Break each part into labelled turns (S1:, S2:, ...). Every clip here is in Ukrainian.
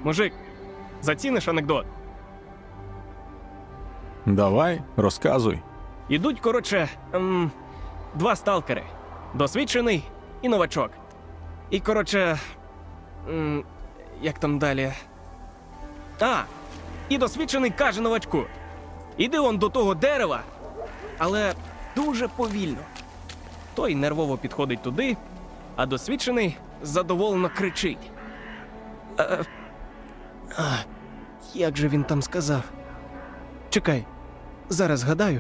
S1: Мужик, заціниш анекдот?
S2: Давай, розказуй.
S1: Ідуть, коротше, два сталкери. Досвідчений і новачок. І, коротше, як там далі? І досвідчений каже новачку: іди он до того дерева, але дуже повільно. Той нервово підходить туди, а досвідчений задоволено кричить. Як же він там сказав? Чекай, зараз згадаю.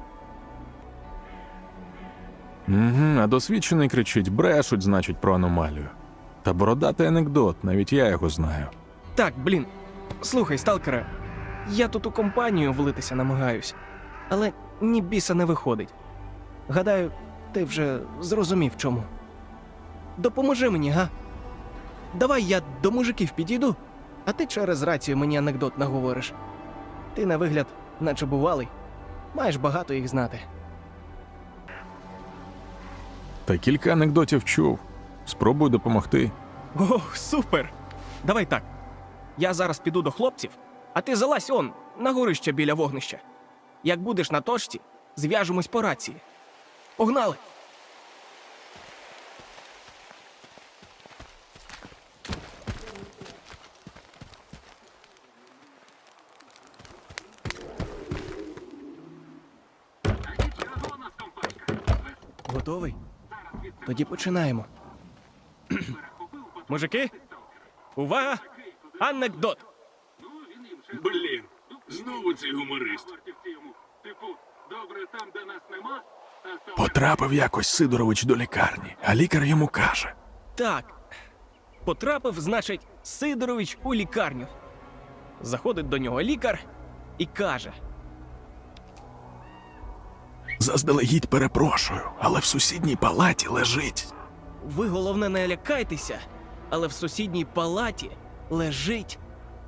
S2: А досвідчений кричить: брешуть, значить, про аномалію. Та бородатий анекдот, навіть я його знаю.
S1: Так, слухай, сталкере, я тут у компанію влитися намагаюсь, але ні біса не виходить. Гадаю, ти вже зрозумів чому. Допоможи мені, га? Давай я до мужиків підійду, а ти через рацію мені анекдот наговориш. Ти на вигляд наче бувалий, маєш багато їх знати.
S2: Та кілька анекдотів чув. Спробуй допомогти.
S1: Ох, супер! Давай так, я зараз піду до хлопців, а ти залазь он, на горище біля вогнища. Як будеш на точці, зв'яжемось по рації. Погнали! Готовий? Тоді починаємо. Мужики, увага! Анекдот!
S3: Блін, знову цей гуморист.
S2: Потрапив якось Сидорович до лікарні, а лікар йому каже:
S1: Так, потрапив, значить, Сидорович у лікарню. Заходить до нього лікар і каже:
S2: заздалегідь перепрошую, але в сусідній палаті лежить.
S1: ви, головне, не лякайтеся, але в сусідній палаті лежить...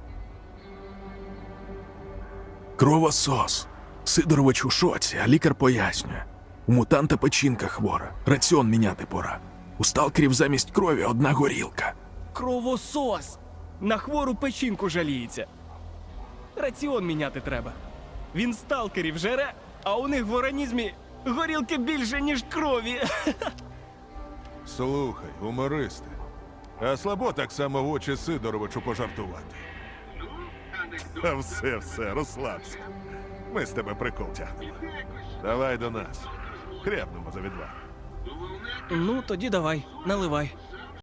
S2: Кровосос. Сидорович у шоці, а лікар пояснює: у мутанта печінка хвора, раціон міняти пора. У сталкерів замість крові одна горілка.
S1: Кровосос! На хвору печінку жаліється. Раціон міняти треба. Він сталкерів жере, а у них в організмі горілки більше, ніж крові.
S4: Слухай, гумористи, а слабо так само в очі Сидоровичу пожартувати. А все, розслабся. Ми з тебе прикол тягнемо. Давай до нас. Хрябнемо за відвагу.
S1: Ну, тоді давай, наливай.